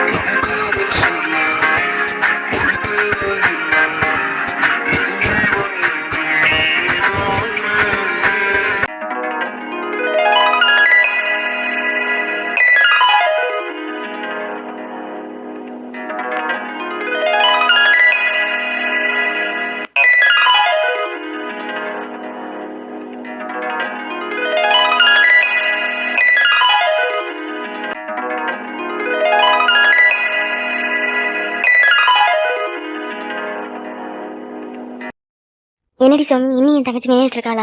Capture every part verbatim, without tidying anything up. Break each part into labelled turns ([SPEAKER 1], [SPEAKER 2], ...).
[SPEAKER 1] என்னடி சோமி, இன்னும் என் தங்கச்சி நின்றுட்டு இருக்காளா?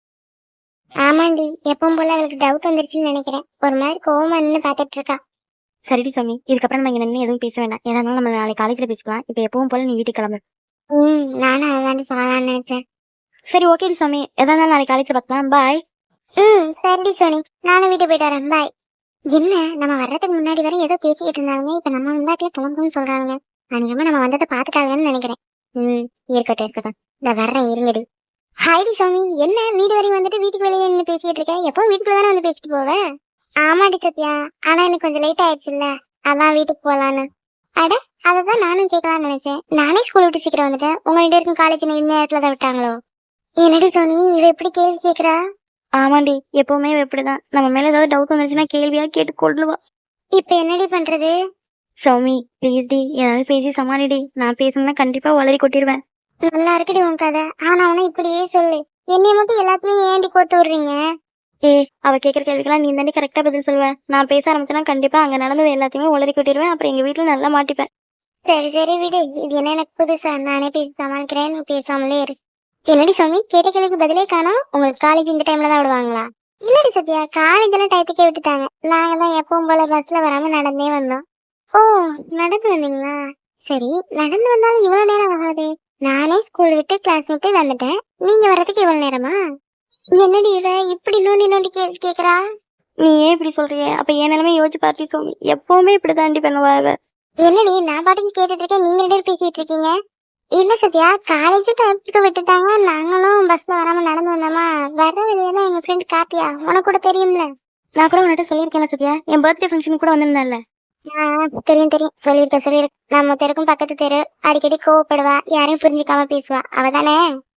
[SPEAKER 2] ஆமாண்டி, எப்பவும் போல அவளுக்கு டவுட் வந்துருச்சுன்னு நினைக்கிறேன். ஒரு மாதிரி கோவமா நின்று பாத்துட்டு இருக்கா.
[SPEAKER 1] சரிடி சோமி, இதுக்கப்புறம் நம்ம இங்க நின்று எதுவும் பேச வேண்டாம். ஏதா இருந்தாலும் நம்ம நாளைக்கு காலேஜ்ல பேசிக்கலாம். இப்ப எப்பவும் போல நீ வீட்டுக்கு கிளம்பு.
[SPEAKER 2] ம் நானும் அதாண்டி சொல்லலாம்னு நினைச்சேன்.
[SPEAKER 1] சரி, ஓகேடி சோமி, எதா இருந்தாலும் நாளைக்கு காலேஜ்ல பார்க்கலாம். பாய்.
[SPEAKER 2] ம் சரிடி சோனி, நானும் வீட்டுக்கு போயிட்டு வரேன். பாய். என்ன, நம்ம வர்றதுக்கு முன்னாடி வரை ஏதோ பேசிக்கிட்டு இருந்தாங்க, இப்ப நம்ம வந்தாட்டில கிளம்புன்னு சொல்றாங்க. அநேகமா நம்ம வந்ததை பாத்துட்டாங்கன்னு நினைக்கிறேன். ம் இருக்கட்டும் இருக்கட்டும், இந்த வர்றேன் இருங்கடி. ஹாய்டி சாமி, என்ன வீடு வரைக்கும் வந்துட்டு வீட்டுக்கு வெளியே நின்று பேசிக்கிட்டு இருக்கேன்? எப்போ வீட்டுக்குள்ள தானே வந்து பேசிட்டு போவேன்? ஆமாடி சத்யா, ஆனா எனக்கு கொஞ்சம் லேட் ஆயிடுச்சுல்ல, அதான் வீட்டுக்கு போலான்னு. அட, அததான் நானும் கேட்கலாம்னு நினைச்சேன். நானே ஸ்கூல் விட்டு சீக்கிரம் வந்துட்டேன். உங்க ரெண்டு பேருக்கும் காலேஜ் இந்த நேரத்துல தான் விட்டாங்களோ? என்னடி சோனி, இவ எப்படி கேள்வி கேக்குறா?
[SPEAKER 1] ஆமாண்டி, எப்பவுமே எப்படிதான். நம்ம மேல ஏதாவது டவுட் வந்துருச்சுன்னா கேள்வியா கேட்டு கொள்ளுவா.
[SPEAKER 2] இப்ப என்னடி பண்றது?
[SPEAKER 1] சௌமி ப்ளீஸ் டி, ஏதாவது பேசி சமாளிடி. நான் பேசணும்னா கண்டிப்பா வளரி கொட்டிடுவேன்.
[SPEAKER 2] நல்லா இருக்குடி உன் கதை, ஆனா அவனை இப்படியே சொல்லு. என்னைய மட்டும் எல்லாத்தையும் ஏண்டி கோத்து விடுறீங்க?
[SPEAKER 1] ஏ, அவ கேட்குற கேள்விக்கெல்லாம் நீ தாண்டி கரெக்டா பதில் சொல்லுவேன். நான் பேச ஆரம்பிச்சேன்னா கண்டிப்பா அங்க நடந்தது எல்லாத்தையுமே உளறி கொட்டிடுவேன். அப்புறம் எங்க வீட்டுல நல்லா மாட்டிப்பேன்.
[SPEAKER 2] சரி சரி விடு, இது என்ன எனக்கு புதுசா? நானே பேசி சமாளிக்கிறேன், நீ பேசாமலே இரு. என்னடி சாமி, கேட்ட கேள்விக்கு பதிலே காணோம். உங்களுக்கு காலேஜ் இந்த டைம்ல தான் விடுவாங்களா? இல்லடி சத்யா, காலேஜ் எல்லாம் டயத்துக்கே விட்டுட்டாங்க. நாங்க தான் எப்பவும் போல பஸ்ல வராம நடந்தே வந்தோம். ஓ, நடந்து வந்தீங்களா? சரி, நடந்து வந்தாலும் இவ்வளவு நேரம் ஆகாது. நானே ஸ்கூல் விட்டு கிளாஸ் விட்டு வந்துட்டேன், நீங்க வர்றதுக்கு இவ்வளவு நேரமா? என்னடி இவ இப்படி நோண்டி நோண்டி கேள்வி கேக்குறா?
[SPEAKER 1] நீ ஏன் இப்படி சொல்றியே? அப்ப என் நிலைமை யோசிச்சு பார்த்தி சோமி, எப்பவுமே இப்படி தாண்டி பண்ணுவா இவ.
[SPEAKER 2] என்னடி நான் பாட்டுக்கு கேட்டுட்டு இருக்கேன், நீங்க ரெண்டு பேரும் பேசிட்டு இருக்கீங்க. இல்ல சத்யா, காலேஜ் டைமுக்கு விட்டுட்டாங்க, நாங்களும் பஸ்ல வராம நடந்து வந்தோமா. வர வழியதான் எங்க ஃப்ரெண்ட் கார்த்தியா, உனக்கு கூட தெரியும்ல.
[SPEAKER 1] நான் கூட உன்கிட்ட சொல்லியிருக்கேன் சத்யா, என் பர்த்டே ஃபங்க்ஷனுக்கு கூட வந்திருந்தால.
[SPEAKER 2] தெரியும் தெரியும், சொல்லிருக்க சொல்லிருக்க. நம்ம தெருக்கும் பக்கத்து தெரு, அடிக்கடி கோவப்படுவா, யாரையும் புரிஞ்சுக்காம பேசுவா, அவதானே?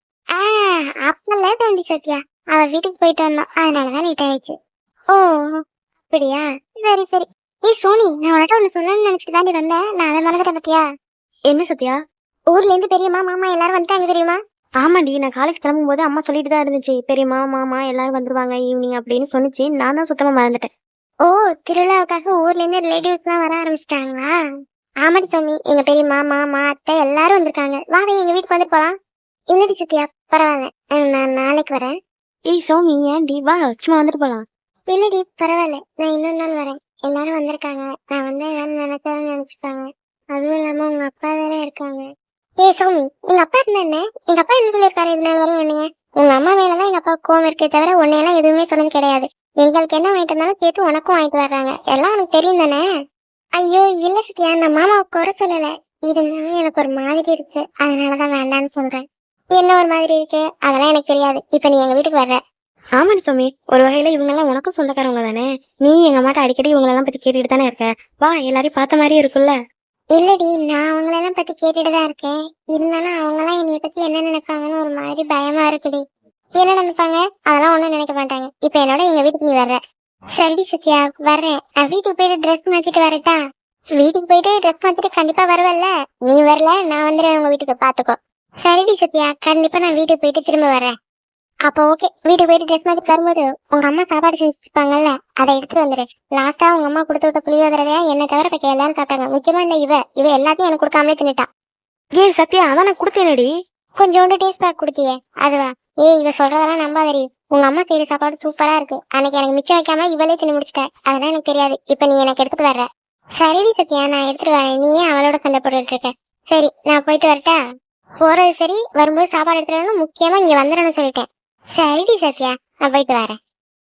[SPEAKER 2] ஆஹ் அப்பல தாண்டி சத்யா, அவ வீட்டுக்கு போயிட்டு வந்தோம், அதனாலதான் லேட் ஆயிடுச்சு. ஓ அப்படியா, சரி சரி. ஏய் சோனி, நான் உன்கிட்ட ஒண்ணு சொல்லணும்னு நினைச்சிட்டு தாண்டி வந்தேன், நான் அதை மறந்துட்டேன் பத்தியா?
[SPEAKER 1] என்ன சத்யா?
[SPEAKER 2] ஊர்ல இருந்து பெரியம்மா மாமா எல்லாரும் வந்துட்டாங்க தெரியுமா?
[SPEAKER 1] ஆமாண்டி, நான் காலேஜ் கிளம்பும் போது அம்மா சொல்லிட்டு தான் இருந்துச்சு, பெரியம்மா மாமா எல்லாரும் வந்துருவாங்க ஈவினிங் அப்படின்னு சொன்னிச்சு. நான் தான் சுத்தமா மறந்துட்டேன்.
[SPEAKER 2] ஓ, திருவிழாவுக்காக ஊர்ல இருந்து ரிலேட்டிவ்ஸ் எல்லாம் வர ஆரம்பிச்சிட்டாங்களா? ஆமாடி சாமி, எங்க பெரியம்மா மாமா அத்தை எல்லாரும் வந்திருக்காங்க. வாங்க எங்க வீட்டுக்கு வந்து போலாம். இல்லடி சத்யா, பரவாயில்ல, நான் நாளைக்கு வரேன்.
[SPEAKER 1] ஏய் சௌமி, ஏன்டி, வா சும்மா வந்துட்டு போலாம்.
[SPEAKER 2] இல்லடி பரவாயில்ல, நான் இன்னொரு நாள் வரேன். எல்லாரும் வந்திருக்காங்க, நான் வந்து ஏதாவது நினைச்சாலும் நினைச்சுப்பாங்க. அதுவும் இல்லாம உங்க அப்பா வேற இருக்காங்க. ஏ சௌமி, எங்க அப்பா இருந்தா என்ன? எங்க அப்பா என்ன சொல்லியிருக்காரு இது நாள் வரையும் உன்னைய? உங்க அம்மா மேலதான் எங்க அப்பா கோவம் இருக்கே தவிர உன்னையெல்லாம் எதுவுமே சொன்னது கிடையாது. எங்களுக்கு என்ன வாங்கிட்டு இருந்தாலும் சேர்த்து உனக்கும் வாங்கிட்டு வர்றாங்க, எல்லாம் உனக்கு தெரியும் தானே? ஐயோ இல்ல சத்யா, நான் மாமாவை குறை சொல்லல. இருந்தாலும் எனக்கு ஒரு மாதிரி இருக்கு, அதனாலதான் வேண்டான்னு சொல்றேன். என்ன ஒரு மாதிரி இருக்கு? அதெல்லாம் எனக்கு தெரியாது. இப்ப நீ எங்க வீட்டுக்கு வர்ற.
[SPEAKER 1] ஆமாடி சௌமி, ஒரு வகையில இவங்க எல்லாம் உனக்கும் சொந்தக்காரவங்க தானே. நீ எங்க அம்மாட்ட அடிக்கடி இவங்களெல்லாம் பத்தி கேட்டுட்டு தானே இருக்க. வா, எல்லாரையும் பார்த்த மாதிரியே இருக்குல்ல.
[SPEAKER 2] இல்லடி, நான் அவங்களெல்லாம் பத்தி கேட்டுட்டுதான் இருக்கேன். இருந்தாலும் அவங்க எல்லாம் என்னைய பத்தி என்ன நினைப்பாங்கன்னு ஒரு மாதிரி பயமா இருக்குடி. என்ன நினைப்பாங்க? அதெல்லாம் ஒண்ணும் நினைக்க மாட்டாங்க. இப்ப என்னோட எங்க வீட்டுக்கு நீ வர்ற. சரிடி சத்யா, வர்றேன். நான் வீட்டுக்கு போயிட்டு ட்ரெஸ் மாத்திட்டு வரட்டா? வீட்டுக்கு போயிட்டு ட்ரெஸ் மாத்திட்டு கண்டிப்பா வருவல்ல? நீ வரல, நான் வந்துடுவேன் உங்க வீட்டுக்கு, பாத்துக்கோ. சரிடி சத்யா, கண்டிப்பா நான் வீட்டுக்கு போயிட்டு திரும்ப வரேன். அப்ப ஓகே, வீட்டுக்கு போயிட்டு ட்ரெஸ் மாத்திட்டு வரும்போது உங்க அம்மா சாப்பாடு செஞ்சுப்பாங்கல்ல, அதை எடுத்துட்டு வந்துரு. லாஸ்டா உங்க அம்மா கொடுத்து விட்ட புளியோதரையா என்ன தவிர பக்க எல்லாரும் சாப்பிட்டாங்க. முக்கியமா இல்ல இவ இவ எல்லாத்தையும் எனக்கு கொடுக்காமலே தின்னுட்டா.
[SPEAKER 1] ஏ சத்யா, அதான் நான் கொடுத்தேனடி.
[SPEAKER 2] கொஞ்சோண்டு டேஸ்ட் பேக் கொடுத்தியே, அதுவா? ஏய், இவ சொல்றதெல்லாம் நம்பாதடி. உங்க அம்மா செய்யற சாப்பாடு சூப்பரா இருக்கு. அன்னைக்கு எனக்கு மிச்சம் வைக்காம இவளே தின்னு முடிச்சிட்ட, அதெல்லாம் எனக்கு தெரியாது. இப்ப நீ எனக்கு எடுத்துட்டு வர்ற. சரிடி சத்யா, நான் எடுத்துட்டு வரேன். நீ ஏன் அவளோட சண்டை போட்டுட்டு இருக்க? சரி, நான் போயிட்டு வரட்டா? போறது சரி, வரும்போது சாப்பாடு எடுத்துட்டு வரணும், முக்கியமா இங்க வந்துடணும்னு சொல்லிட்டேன். சரிடி சத்யா, நான் போயிட்டு வரேன்.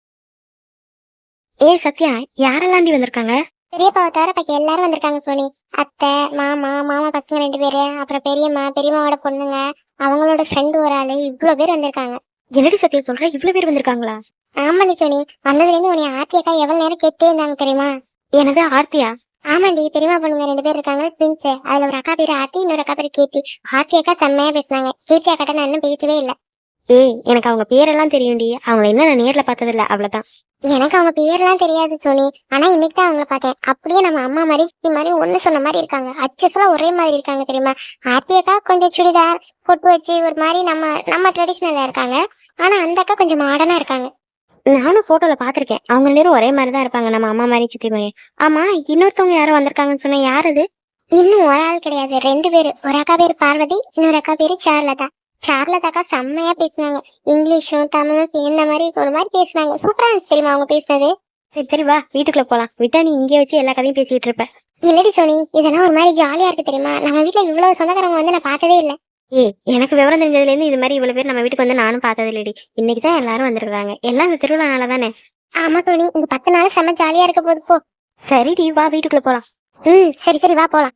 [SPEAKER 1] ஏ சத்யா, யாரெல்லாண்டி வந்திருக்காங்க?
[SPEAKER 2] பெரியப்பாவை தவிர பக்கம் எல்லாரும் வந்திருக்காங்க சோனி. அத்தை மாமா மாமா பசங்க ரெண்டு பேரு, அப்புறம் பெரியம்மா பெரியம்மாவோட பொண்ணுங்க, அவங்களோட ஃப்ரெண்டு ஒரு ஆளு, இவ்வளவு பேர் வந்திருக்காங்க.
[SPEAKER 1] என்னடி சத்யா சொல்ற, இவ்வளவு பேர் வந்திருக்காங்களா?
[SPEAKER 2] ஆமாடி சோனி, வந்ததுல இருந்து உன்னை ஆர்த்தி அக்கா எவ்வளவு நேரம் கேட்டே இருந்தாங்க தெரியுமா?
[SPEAKER 1] எனது ஆர்த்தியா?
[SPEAKER 2] ஆமாண்டி, பெரியமா பொண்ணுங்க ரெண்டு பேர் இருக்காங்க, ட்வின்ஸ். அதுல ஒரு அக்கா பேரு ஆர்த்தி, இன்னொரு அக்கா பேரு கீர்த்தி. ஆர்த்தி அக்கா செம்மையா பேசுனாங்க. கீர்த்தி அக்காட்ட நான் இன்னும் பேசவே இல்ல.
[SPEAKER 1] ஏய், எனக்கு அவங்க பேரெல்லாம் தெரியும்டி. அவங்கள இன்னும் நான் நேர்ல பார்த்ததில்ல, அவ்வளவுதான்.
[SPEAKER 2] எனக்கு அவங்க பேர்லாம் தெரியாது சோனி. ஆனா இன்னைக்கு தான் அவங்கள பார்த்தேன். அப்படியே நம்ம அம்மா மாதிரி சித்தி மாதிரி ஒண்ணு சொன்ன மாதிரி இருக்காங்க. அச்சஸ்லாம் ஒரே மாதிரி இருக்காங்க தெரியுமா? ஆர்த்தி அக்கா கொஞ்சம் சுடிதார் பொட்டு வச்சு ஒரு மாதிரி நம்ம நம்ம ட்ரெடிஷ்னலா இருக்காங்க. ஆனா அந்த அக்கா கொஞ்சம் மாடர்னா இருக்காங்க.
[SPEAKER 1] நானும் போட்டோல பாத்திருக்கேன். அவங்க நேரம் ஒரே மாதிரி தான் இருப்பாங்க, நம்ம அம்மா மாதிரி சித்தி மாதிரி. ஆமா, இன்னொருத்தவங்க யாரும் வந்திருக்காங்கன்னு சொன்னேன், யார் அது?
[SPEAKER 2] இன்னும் ஒரு ஆள் கிடையாது, ரெண்டு பேரு. ஒரு அக்கா பேரு பார்வதி, இன்னொரு அக்கா பேரு சார்லதா. சார்லதா அக்கா செம்மையா பேசினாங்க. இங்கிலீஷும் தமிழும் சேர்ந்த மாதிரி ஒரு மாதிரி பேசினாங்க. சூப்பரா இருந்துச்சு தெரியுமா அவங்க பேசுனது.
[SPEAKER 1] சரி சரி வா, வீட்டுக்குள்ள போலாம். விட்டா நீ இங்கே வச்சு எல்லா கதையும் பேசிட்டு இருப்ப.
[SPEAKER 2] இல்லடி சோனி, இதெல்லாம் ஒரு மாதிரி ஜாலியா இருக்கு தெரியுமா? நம்ம வீட்டுல இவ்வளவு சொந்தக்காரங்க வந்து நான் பார்த்ததே இல்லை.
[SPEAKER 1] ஏய், எனக்கு விவரம் தெரிஞ்சதுல இருந்து இது மாதிரி இவ்வளவு பேர் நம்ம வீட்டுக்கு வந்து நானும் பார்த்தது இல்லடி. இன்னைக்கு தான் எல்லாரும் வந்திருக்காங்க. எல்லாம் இந்த திருவிழானால தானே.
[SPEAKER 2] ஆமா சோனி, இந்த பத்து நாள் செம்ம ஜாலியா இருக்க போது போ.
[SPEAKER 1] சரிடி, வா வீட்டுக்குள்ள போலாம்.
[SPEAKER 2] ம் சரி சரி வா போலாம்.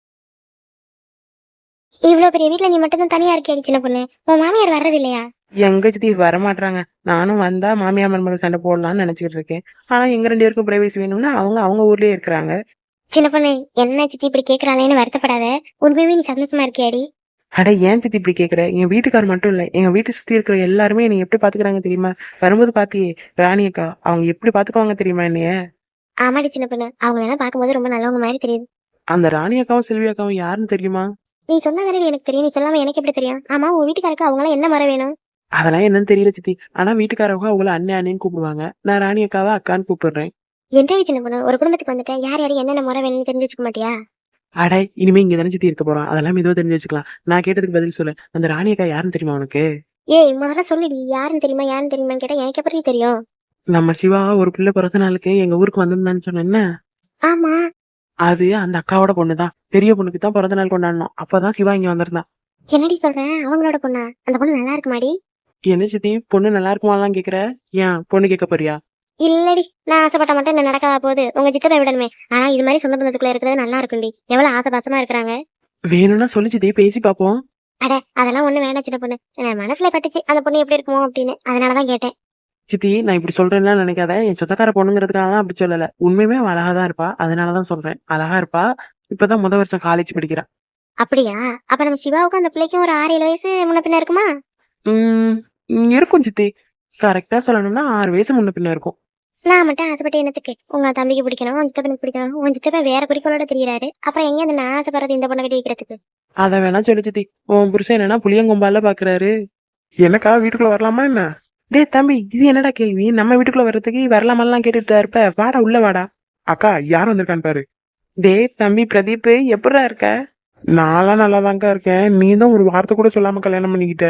[SPEAKER 1] இவ்வளவு பெரிய வீட்டுல நீ மட்டும் தான் தனியா இருக்கியா சின்ன பொண்ணு? உன் மாமியார் வர்றது இல்லையா?
[SPEAKER 3] எங்க சித்தி வரமாட்டாங்க. நானும் வந்தா மாமியார் மருமகள் சண்டை போடலாம்னு நினைச்சிட்டு இருக்கேன். ஆனா எங்க ரெண்டு பேருக்கும் பிரைவேசி வேணும்னா அவங்க அவங்க ஊர்லயே இருக்கிறாங்க.
[SPEAKER 1] சின்ன பொண்ணு, என்ன சித்தி இப்படி கேக்குறாளேன்னு வருத்தப்படாத. உண்மையுமே நீ சந்தோஷமா இருக்கியாடி?
[SPEAKER 3] அட ஏன் சித்தி இப்படி கேக்குற? என் வீட்டுக்கார் மட்டும் இல்ல, எங்க வீட்டு சுத்தி இருக்கிற எல்லாருமே என்னை எப்படி பாத்துக்கிறாங்க தெரியுமா? வரும்போது பாத்தியே ராணி அக்கா, அவங்க எப்படி பாத்துக்குவாங்க தெரியுமா என்னைய?
[SPEAKER 1] ஆமாடி சின்ன பொண்ணு, அவங்க எல்லாம் பார்க்கும்போது ரொம்ப நல்லவங்க மாதிரி தெரியுது.
[SPEAKER 3] அந்த ராணி அக்காவும் செல்வி அக்காவும் யாருன்னு தெரியுமா?
[SPEAKER 1] நீ சொன்னாதானே எனக்கு தெரியும். நீ சொல்லாம எனக்கு எப்படி தெரியும்? ஆமா, உன் வீட்டுக்காருக்கு அவங்க எல்லாம் என்ன முறை வேணும்?
[SPEAKER 3] அதெல்லாம் என்னன்னு தெரியல சித்தி. ஆனா வீட்டுக்காரவங்க அவங்கள அண்ணன் அண்ணேன்னு கூப்பிடுவாங்க. நான் ராணி அக்காவை அக்கான்னு கூப்பிடுறேன்.
[SPEAKER 1] என்ன சின்ன பொண்ணு, ஒரு குடும்பத்துக்கு வந்துட்டேன், யார் யாரும் என்னென்ன முறை வேணும்னு தெரிஞ்சு வச்சுக்க மாட்டியா?
[SPEAKER 3] அட இனிமே இங்க தானே சித்தி இருக்க போறோம், அதெல்லாம் மெதுவா தெரிஞ்சு வச்சுக்கலாம். நான் கேட்டதுக்கு பதில் சொல்லு. அந்த ராணி அக்கா யாருன்னு தெரியுமா உனக்கு?
[SPEAKER 1] ஏய், முதல்ல சொல்லுடி, யாருன்னு தெரியுமா யாருன்னு தெரியுமான்னு கேட்டா எனக்கு எப்படி தெரியும்?
[SPEAKER 3] நம்ம சிவா ஒரு பிள்ளை பிறந்த நாளுக்கு எங்க ஊருக்கு வந்திருந்தான்னு சொன்னேன்ன,
[SPEAKER 1] ஆமா.
[SPEAKER 3] அது அந்த அக்காவோட பொண்ணுதான். பெரிய பொண்ணுக்கு தான் பிறந்த நாள் கொண்டாடணும். அப்பதான் சிவா இங்க வந்திருந்தான்.
[SPEAKER 1] என்னடி சொல்றேன்? அவங்களோட பொண்ணா? அந்த பொண்ணு நல்லா இருக்குமாடி?
[SPEAKER 3] என்ன சித்தி, பொண்ணு நல்லா இருக்குமாலாம் கேக்குற? ஏன் பொண்ணு கேட்க போறியா?
[SPEAKER 1] இல்லடி, நான் ஆசைப்பட்ட மட்டும் என்ன நடக்காத போகுது. உங்க சித்தரை விடணுமே. ஆனா இது மாதிரி சொந்த பந்தத்துக்குள்ள இருக்கிறது நல்லா இருக்கும்டி. எவ்வளவு ஆசைபாசமா இருக்கிறாங்க.
[SPEAKER 3] வேணும்னா சொல்லு சித்தி, பேசி பாப்போம்.
[SPEAKER 1] அட அதெல்லாம் ஒண்ணு வேணாம் சின்ன பொண்ணு. என் மனசுல பட்டுச்சு அந்த பொண்ணு எப்படி இருக்குமோ அப்படின்னு, அதனாலதான் கேட்டேன்.
[SPEAKER 3] சித்தி, நான் இப்படி சொல்றேன்னா நினைக்காத. என் சொந்தக்கார பொண்ணுங்கிறதுக்காக அப்படி சொல்லல. உண்மையுமே அவ அழகாதான் இருப்பா, அதனாலதான் சொல்றேன். அழகா இருப்பா. இப்பதான் முத வருஷம் காலேஜ் படிக்கிறா.
[SPEAKER 1] அப்படியா? அப்ப நம்ம சிவாவுக்கும் அந்த பிள்ளைக்கும் ஒரு ஆறு ஏழு வயசு முன்ன பின்ன இருக்குமா?
[SPEAKER 3] உம் இருக்கும் சித்தி. கரெக்டா சொல்லணும்னா ஆறு வயசு முன்ன பின்ன இருக்கும்.
[SPEAKER 1] நான் மட்டும் ஆசைப்பட்ட என்னத்துக்கு? உங்க தம்பிக்கு பிடிக்கணும், உன் சித்தப்பனுக்கு பிடிக்கணும். உன் சித்தப்பன் வேற குறிக்கோளோட தெரியறாரு. அப்புறம் எங்க அந்த நான் ஆசைப்படுறது இந்த பொண்ணை கட்டி வைக்கிறதுக்கு?
[SPEAKER 3] அத வேணா சொல்லு சித்தி. உன் புருஷன் என்னன்னா புளியங்கொம்பால பாக்குறாரு. எனக்கா வீட்டுக்குள்ள வரலாமா என்ன? டேய் தம்பி, இது என்னடா கேள்வி? நம்ம வீட்டுக்குள்ள வர்றதுக்கு வரலாமெல்லாம் கேட்டுட்டு இருப்ப. வாடா உள்ள வாடா. அக்கா யார் வந்திருக்கான்னு பாரு. டேய் தம்பி பிரதீப், எப்படா இருக்க? நான்லாம் நல்லாதான்க்கா இருக்கேன். நீ தான் ஒரு வார்த்தை கூட சொல்லாம கல்யாணம் பண்ணிக்கிட்ட.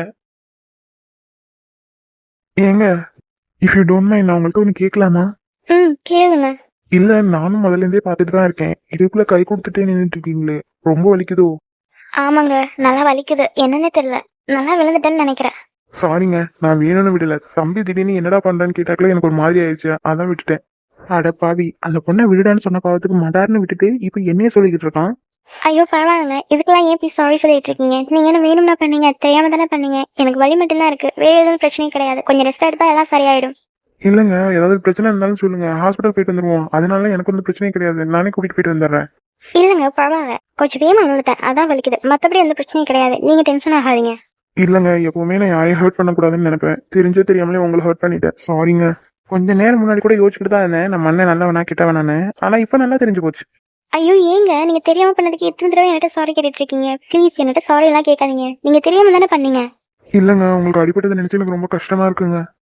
[SPEAKER 4] ஏங்க, இஃப் யூ டோன்ட் மைண்ட், நான் உங்கள்ட்ட ஒன்று கேட்கலாமா?
[SPEAKER 1] ம் கேளுங்க.
[SPEAKER 4] இல்ல, நானும் முதல்ல இருந்தே பார்த்துட்டு தான் இருக்கேன். இதுக்குள்ள கை கொடுத்துட்டே நின்றுட்டு இருக்கீங்களே, ரொம்ப வலிக்குதோ?
[SPEAKER 1] ஆமாங்க, நல்லா வலிக்குது. என்னன்னே தெரியல, நல்லா விழுந்துட்டேன்னு நினைக்கிறேன்.
[SPEAKER 4] சாரிங்க, நான் வேணும்னு விடல. தம்பி திடீர்னு என்னடா பண்றான்னு கேட்டாக்கல எனக்கு ஒரு மாதிரி ஆயிடுச்சு, அதான் விட்டுட்டேன். அட பாவி, அந்த பொண்ணை விடுடான்னு சொன்ன பாவத்துக்கு மடார்னு விட்டுட்டு இப்ப என்னைய சொல்லிக்கிட்டு இருக்கான்.
[SPEAKER 1] ஐயோ பரவாயில்லைங்க, இதுக்கெல்லாம் ஏன் போய் சாரி சொல்லிட்டு இருக்கீங்க? நீங்க என்ன வேணும்னா பண்ணீங்க, தெரியாம தானே பண்ணீங்க. எனக்கு வலி மட்டும்தான் இருக்கு, வேற எதுவும் பிரச்சனையும் கிடையாது. கொஞ்சம் ரெஸ்ட் எடுத்தா எல்லாம் சரியாயிடும்.
[SPEAKER 4] இல்லங்க, ஏதாவது பிரச்சனை இருந்தாலும் சொல்லுங்க, ஹாஸ்பிட்டல் போயிட்டு வந்துருவோம். அதனால எனக்கு வந்து பிரச்சனையும் கிடையாது, நானே கூட்டிட்டு போயிட்டு வந்துடுறேன்.
[SPEAKER 1] இல்லங்க பரவாயில்ல, கொஞ்சம் வேகமா வந்துட்டேன், அதான் வலிக்குது. மத்தபடி எந்த பிரச்சனையும் கிடையாது. நீங்க டென்ஷன் ஆகாதீங்க.
[SPEAKER 4] இல்லங்க, எப்பவுமே நான் யாரையும் ஹர்ட் பண்ணக்கூடாதுன்னு நினைப்பேன். தெரிஞ்சோ தெரியாமலே உங்களை ஹர்ட் பண்ணிட்டேன், சாரிங்க. கொஞ்ச நேரம் முன்னாடி கூட யோசிச்சுட்டு தான் இருந்தேன், நம்ம அண்ணன் நல்லவனா கிட்டவனானு. ஆனா இப்ப நல்லா தெரிஞ்சு போச்சு.
[SPEAKER 1] ஐயோ ஏங்க, நீங்க தெரியாம பண்ணதுக்கு எத்தனை தடவை என்கிட்ட சாரி கேட்டுட்டு இருக்கீங்க? ப்ளீஸ் என்கிட்ட சாரி எல்லாம் கேட்காதீங்க. நீங்க தெரியாம தானே பண்ணீங்க.
[SPEAKER 4] இல்லங்க, உங்களுக்கு அடிபட்டதை நினைச்சு எனக்கு ரொம்ப கஷ்டமா இருக்குங்க.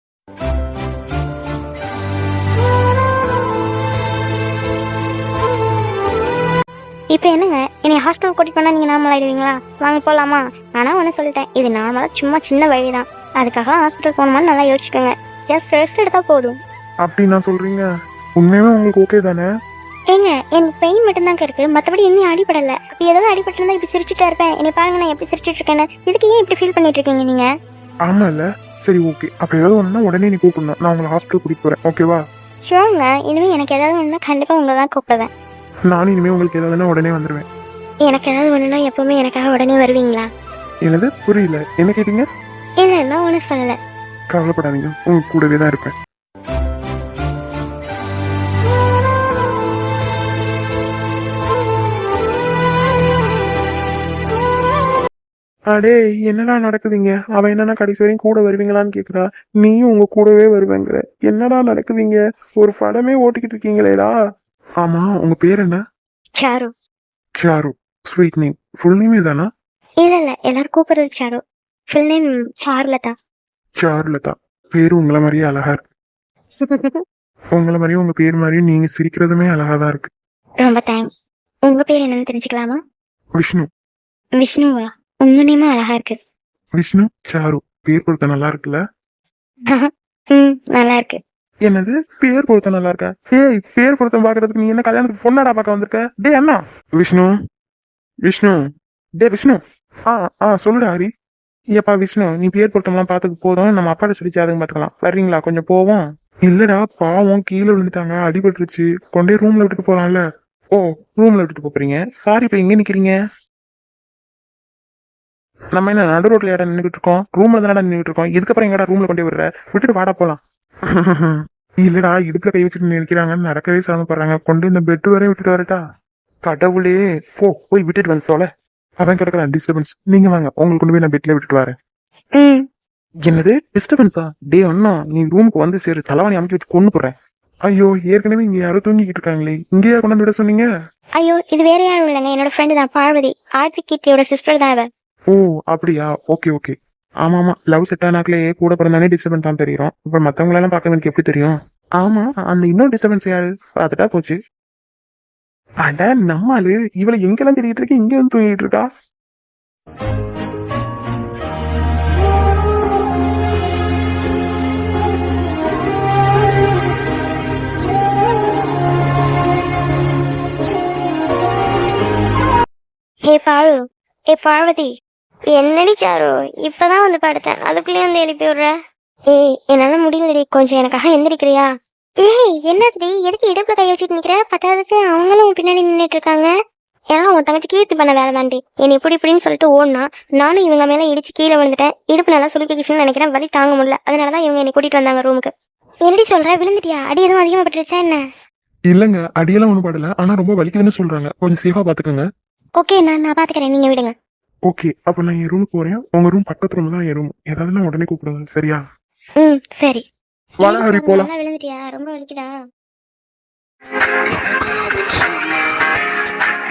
[SPEAKER 1] இப்போ என்னங்க, என்னை ஹாஸ்பிட்டல் கூட்டிட்டு போனா நீங்க நார்மல் ஆயிடுவீங்களா? வாங்க போலாமா? ஆனா ஒன்னு சொல்லிட்டேன், இது நார்மலா சும்மா சின்ன வழிதான். அதுக்காக ஹாஸ்பிட்டல் போகணுமான்னு நல்லா யோசிச்சுக்கோங்க. ஜஸ்ட் ரெஸ்ட் எடுத்தா போதும்.
[SPEAKER 4] அப்படி நான் சொல்றீங்க, உண்மையுமே உங்களுக்கு ஓகே தானே?
[SPEAKER 1] ஏங்க, எனக்கு பெயின் மட்டும்தாங்க இருக்கு, மற்றபடி இன்னும் அடிபடல. அப்படி ஏதாவது அடிபட்டிருந்தா இப்படி சிரிச்சுட்டா இருப்பேன். என்னை பாருங்க, நான் எப்படி சிரிச்சுட்டு இருக்கேன்னு. இதுக்கு ஏன் இப்படி ஃபீல் பண்ணிட்டு இருக்கீங்க நீங்க?
[SPEAKER 4] ஆமா இல்ல, சரி ஓகே. அப்ப ஏதாவது ஒண்ணுனா உடனே நீ கூப்பிடணும், நான் உங்களை ஹாஸ்பிட்டல் கூட்டிட்டு போறேன், ஓகேவா?
[SPEAKER 1] ஷோருங்க, இனிமே எனக்கு ஏதாவது ஒண்ணுனா கண்டிப்பா உங்களை தான் கூப்பிடுவேன்.
[SPEAKER 4] நானும் இனிமே உங்களுக்கு ஏதாவதுன்னா உடனே வந்துருவேன்.
[SPEAKER 1] எனக்கு ஏதாவது ஒண்ணுனா எப்பவுமே எனக்காக உடனே வருவீங்களா?
[SPEAKER 4] என்னது புரியல, என்ன கேட்டீங்க?
[SPEAKER 1] இல்ல, நான் ஒன்றும் சொல்லல.
[SPEAKER 4] கவலைப்படாதீங்க, உங்க கூடவே தான் இருப்பேன். அடே என்னடா நடக்குதுங்க? அவ என்னன்னா கடைசி வரையும் கூட வருவீங்களான்னு கேக்குறா. நீயும் உங்க கூடவே வருவேங்கிற. என்னடா நடக்குதுங்க? ஒரு படமே ஓட்டிக்கிட்டு இருக்கீங்களேடா. ஆமா, உங்க பேர் என்ன?
[SPEAKER 1] Charu.
[SPEAKER 4] Charu. Sweet name. Full name இதானா?
[SPEAKER 1] இல்ல இல்ல எல்லாரும் கூப்பிடுறது சாரு. Full name Charulatha.
[SPEAKER 4] சாருலதா. பேரு உங்கள மாதிரியே அழகா இருக்கு. உங்கள மாதிரியும் உங்க பேர் மாதிரியும் நீங்க சிரிக்கிறதுமே அழகாதான் இருக்கு.
[SPEAKER 1] ரொம்ப தேங்க்ஸ். உங்க பேர் என்னன்னு தெரிஞ்சுக்கலாமா?
[SPEAKER 4] விஷ்ணு.
[SPEAKER 1] விஷ்ணுவா? உங்க நேமும் அழகா இருக்கு.
[SPEAKER 4] விஷ்ணு சாரு. பேர் பொருத்த நல்லா இருக்குல்ல?
[SPEAKER 1] ம் நல்லா இருக்கு.
[SPEAKER 4] என்னது பேர் பொருத்தம் நல்லா இருக்கா? ஏய், பேர் பொருத்தம் பாக்குறதுக்கு நீ என்ன கல்யாணத்துக்கு பொண்ணாடா பார்க்க வந்திருக்க? டே அண்ணா. விஷ்ணு. விஷ்ணு. டே விஷ்ணு. ஆ ஆ சொல்லுடா ஹரி. ஏப்பா விஷ்ணு, நீ பேர் பொருத்தம்லாம் பார்த்தது போதும், நம்ம அப்பாட்ட சொல்லி ஜாதகம் பார்த்துக்கலாம். வர்றீங்களா? கொஞ்சம் போவோம். இல்லடா, பாவம் கீழே விழுந்துட்டாங்க, அடிபட்டுருச்சு. கொண்டே ரூம்ல விட்டுட்டு போலாம்ல. ஓ, ரூம்ல விட்டுட்டு போறீங்க. சாரி, இப்ப எங்க நிக்கிறீங்க? நம்ம என்ன நடு ரோட்ல இடம் நின்றுட்டு இருக்கோம்? ரூம்ல தானடா நின்றுட்டு இருக்கோம். இதுக்கப்புறம் எங்கடா ரூம்ல கொண்டே விடுற? விட்டுட்டு வாடா போலாம். இல்லடா, இடுப்புல கை வச்சுட்டு நினைக்கிறாங்கன்னு நடக்கவே சிரமப்படுறாங்க. கொண்டு இந்த பெட் வரையும் விட்டுட்டு வரட்டா? கடவுளே, போ போய் விட்டுட்டு வந்து தொலை. அவன் கிடக்குறான் டிஸ்டர்பன்ஸ். நீங்க வாங்க, உங்களுக்கு கொண்டு போய் நான் பெட்ல விட்டுட்டு வரேன்.
[SPEAKER 1] ம்
[SPEAKER 4] என்னது டிஸ்டர்பன்ஸா? டே அண்ணா, நீ ரூமுக்கு வந்து சேரு, தலைவாணி அமைக்க வச்சு கொண்டு போறேன். ஐயோ, ஏற்கனவே இங்க யாரோ தூங்கிக்கிட்டு இருக்காங்களே, இங்கேயா கொண்டு வந்து விட சொன்னீங்க?
[SPEAKER 1] ஐயோ இது வேற யாரும் இல்லைங்க, என்னோட ஃப்ரெண்டு தான் பார்வதி. ஆர்த்தி கீர்த்தியோட சிஸ்டர் தான் அவ.
[SPEAKER 4] ஓ அப்படியா? Okay okay. ஆமா ஆமா, லவ் செட் ஆனாக்களே கூட பிறந்தானே டிஸ்டர்பன்ஸ் தான் தெரியும். இப்ப மத்தவங்க எல்லாம் பார்க்க எனக்கு எப்படி தெரியும்? ஆமா, அந்த இன்னொரு டிஸ்டர்பன்ஸ் யாரு? பார்த்துட்டா போச்சு. அட நம்மாலு, இவளை எங்கெல்லாம் தேடிட்டு இருக்கு, இங்க வந்து தூங்கிட்டு இருக்கா.
[SPEAKER 1] ஹே பாரு. ஏ பார்வதி. என்னடி சாரு, இப்பதான் வந்து படுத்தேன், அதுக்குள்ளேயே வந்து எழுப்பி விடுற. ஏய் என்னால முடியலடி, கொஞ்சம் எனக்காக எந்திரிக்கிறியா? ஏய் என்னாச்சுடி, எதுக்கு இடுப்புல கை வச்சுட்டு நிக்கிற? பத்தாவதுக்கு அவங்களும் உன் பின்னாடி நின்றுட்டு இருக்காங்க. ஏன்னா உன் தங்கச்சி கீர்த்தி பண்ண வேலை தாண்டி. என்னை இப்படி இப்படின்னு சொல்லிட்டு ஓடனா நானும் இவங்க மேல இடிச்சு கீழே விழுந்துட்டேன். இடுப்பு நல்லா சுருக்கிக்கிச்சுன்னு நினைக்கிறேன், வலி தாங்க முடியல. அதனாலதான் இவங்க என்னை கூட்டிட்டு வந்தாங்க ரூமுக்கு. என்னடி சொல்ற, விழுந்துட்டியா? அடி எதுவும் அதிகமா பட்டுருச்சா என்ன?
[SPEAKER 4] இல்லங்க, அடியெல்லாம் ஒண்ணும் படல, ஆனா ரொம்ப வலிக்குதுன்னு சொல்றாங்க. கொஞ்சம் சேஃபா பாத்துக்கோங்க.
[SPEAKER 1] ஓகே, நான் நான் பாத்துக்கிறேன், நீங்க விடுங்க.
[SPEAKER 4] ஓகே, அப்ப நான் என் ரூமுக்கு போறேன். உங்க ரூம் பக்கத்து ரூம் தான் என் ரூம். ஏதாவதுன்னா உடனே கூப்பிடுங்க, சரியா?
[SPEAKER 1] ம் சரி.
[SPEAKER 4] வாடா ஹரி, போலாம்.
[SPEAKER 1] நல்லா விழுந்துட்டியா? ரொம்ப வலிக்குதா?